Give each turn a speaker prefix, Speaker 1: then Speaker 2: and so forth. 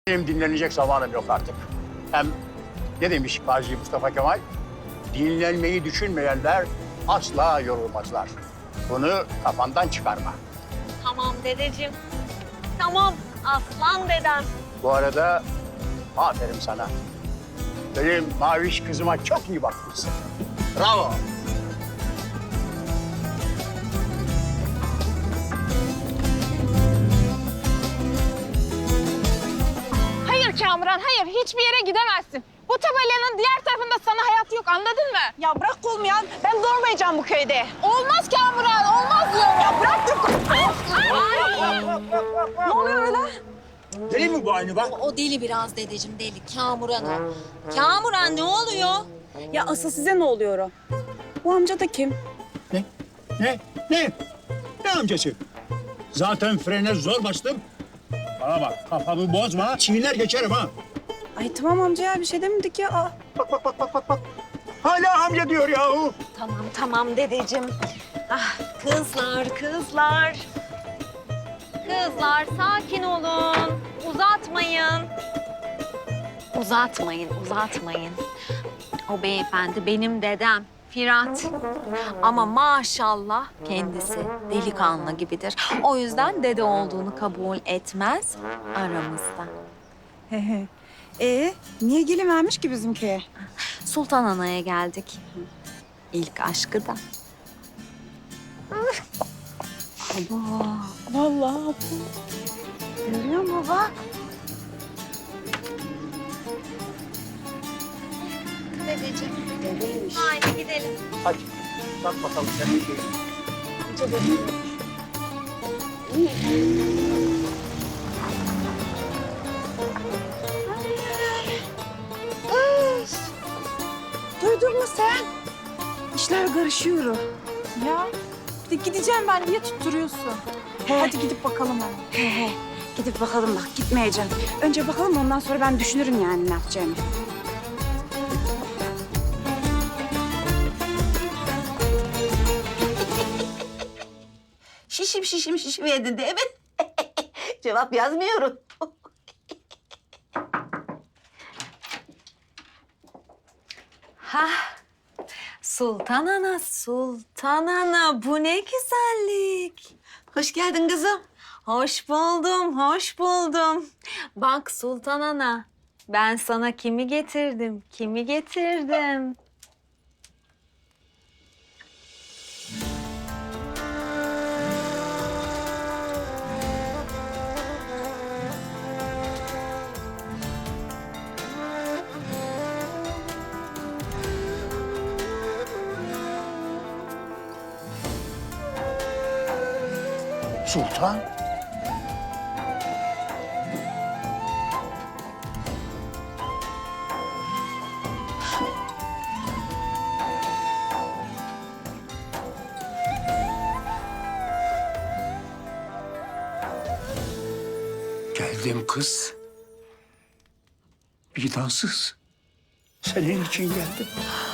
Speaker 1: Benim dinlenecek zamanım yok artık. Hem ne demiş Gazi Mustafa Kemal? Dinlenmeyi düşünmeyenler asla yorulmazlar. Bunu kafandan çıkarma.
Speaker 2: Tamam dedeciğim. Tamam aslan dedem.
Speaker 1: Bu arada aferin sana. Benim maviş kızıma çok iyi bakmışsın. Bravo.
Speaker 3: Hayır Kamuran, hayır. Hiçbir yere gidemezsin. Bu tabelanın diğer tarafında sana hayat yok, anladın mı?
Speaker 4: Ya bırak kolumu ya. Ben durmayacağım bu köyde.
Speaker 3: Olmaz Kamuran, olmaz diyorum.
Speaker 4: Ya bırak dur. Ne oluyor öyle?
Speaker 1: Deli mi bu aynı bak?
Speaker 2: O deli biraz dedeciğim deli. Kamuran o. Kamuran ne oluyor?
Speaker 4: Ya asıl size ne oluyor o? Bu amca da kim?
Speaker 1: Ne? Ne? Ne? Ne amcası? Zaten frene zor bastım. Bana bak kafamı bozma. Çiğner geçerim ha.
Speaker 4: Ay tamam amca ya bir şey demedik ya. Aa.
Speaker 1: Bak. Hala amca diyor yahu.
Speaker 2: Tamam dedeciğim. Ah kızlar. Kızlar sakin olun. Uzatmayın. Uzatmayın. O beyefendi benim dedem. Firat. Ama maşallah kendisi delikanlı gibidir. O yüzden dede olduğunu kabul etmez aramızda.
Speaker 4: He he. Niye gelivermiş ki bizim köye?
Speaker 2: Sultan Ana'ya geldik. İlk aşkı da.
Speaker 4: Vallahi.
Speaker 2: Görüyor musun bak? Dedeciğim.
Speaker 4: Dedeymiş.
Speaker 2: Haydi gidelim.
Speaker 1: Hadi bak bakalım sen bir şey.
Speaker 4: Duydun mu sen? İşler karışıyor. Ya bir de gideceğim ben diye tutturuyorsun. Hadi gidip bakalım hemen. He. Gidip bakalım bak gitmeyeceğim. Önce bakalım ondan sonra ben düşünürüm yani ne yapacağımı.
Speaker 5: Şişiverdin değil mi? Cevap yazmıyorum.
Speaker 2: Hah. Sultan Ana bu ne güzellik.
Speaker 5: Hoş geldin kızım.
Speaker 2: Hoş buldum. Bak Sultan Ana, ben sana kimi getirdim?
Speaker 1: Sultan. Geldim kız. Vicdansız. Senin için geldim.